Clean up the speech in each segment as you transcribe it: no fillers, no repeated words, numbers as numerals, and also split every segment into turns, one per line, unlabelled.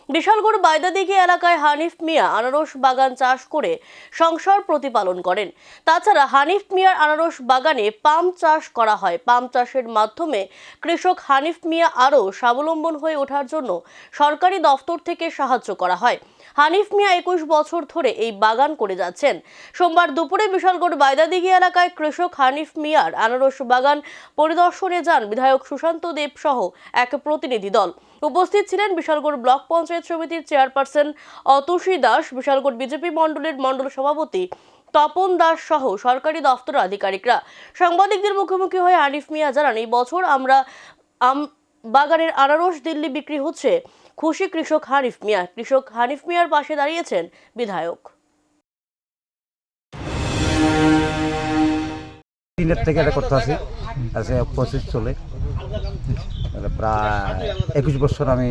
বিশালগড় বাইদাদিঘি এলাকায় হানিফ মিয়া আনারস বাগান চাষ করে সংসার প্রতিপালন করেন। তাছাড়া হানিফ মিয়ার আনারস বাগানে পাম চাষ করা হয়। পাম চাষের মাধ্যমে কৃষক হানিফ মিয়া আরও স্বাবলম্বন হয়ে ওঠার জন্য সরকারি দফতর থেকে সাহায্য করা হয়। হানিফ মিয়া 21 বছর ধরে এই বাগান করে যাচ্ছেন। সোমবার দুপুরে বিশালগড় বাইদাদিঘি এলাকায় কৃষক হানিফ মিয়ার আনারস বাগান পরিদর্শনে যান বিধায়ক সুশান্ত দেব সহ এক প্রতিনিধি দল। উপস্থিত ছিলেন বিশালগড় ব্লক পঞ্চায়েত সমিতির চেয়ারপারসন অতুষী দাস, বিশালগড় বিজেপি মণ্ডলের মণ্ডল সভাপতি তপন দাস সহ সরকারি দফতরের আধিকারিকরা। সাংবাদিকদের মুখোমুখি হয়ে হানিফ মিয়া জানান, এই বছর আমরা বাগানের আনারস দিল্লি বিক্রি হচ্ছে। খুশি কৃষক হানিফ মিয়া। কৃষক হানিফ মিয়ার পাশে দাঁড়িয়েছেন বিধায়ক।
দিনের থেকে এটা করতে আছি, আজকে 25 চলে, প্রায় 21 বছর আমি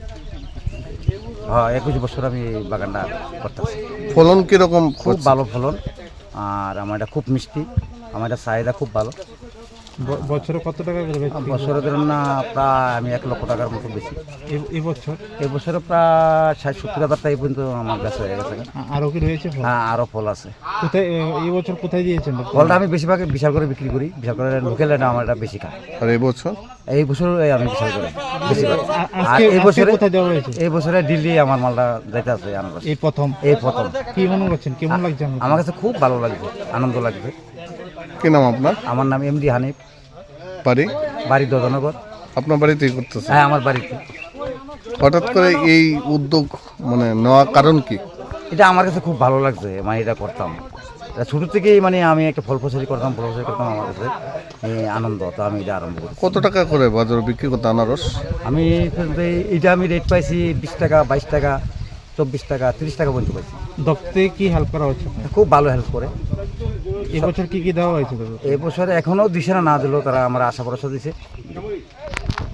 21 বছর আমি বাগানটা করতেছি।
ফলন কিরকম?
খুব ভালো ফলন, আর আমার এটা খুব মিষ্টি, আমার এটা চাহিদা খুব ভালো।
বছরে কত টাকা করে বেচছেন?
বছরে ধরুন না প্রায় আমি 1 লক্ষ টাকার মতো বেশি। এই বছরে প্রায় 60-70 হাজার টাকা পর্যন্ত আমার কাছে হয়ে গেছে।
আরও কি রয়েছে?
হ্যাঁ, আরও ফল আছে।
কোথায় এই বছর কোথায় দিয়েছেন
ফলটা? আমি বেশিরভাগ বিশাল করে বিক্রি করি, বিশাল করে লোকাল এটা আমার এটা বেশি খায়।
আর এই বছর
আমি বিশাল করে বেশিরভাগ। আর এই বছরে দিল্লি আমার মালটা যাইতে আছে আনারস।
এই প্রথম কি মনে করছেন? কেমন লাগছে?
আমার কাছে খুব ভালো লাগছে, আনন্দ লাগছে।
কি নাম আপনার?
আমার নাম এমডি হানিফ,
বাড়ি
দদনগর।
আপনার বাড়িতেই করতেছে?
হ্যাঁ, আমার বাড়িতে।
হঠাৎ করে এই উদ্যোগ মানে নেওয়ার কারণ কি?
এটা আমার কাছে খুব ভালো লাগছে, মানে এটা করতাম ছোট থেকেই, মানে আমি একটা ফল ফসলি করতাম আমার কাছে আনন্দ, তো আমি এটা আরম্ভ করি।
কত টাকা করে বাজারে বিক্রি করতে আনারস?
আমি এটা রেট পাইছি 20 টাকা, 22 টাকা, 24 টাকা, 30 টাকা পর্যন্ত পাইছি।
দপ্তরে কি হেল্প করা হচ্ছে?
খুব ভালো হেল্প করে।
এবছর কি দেওয়া হয়েছে?
এবছর এখনো দিছে না দিলেও তারা আমার আশা ভরসা দিছে।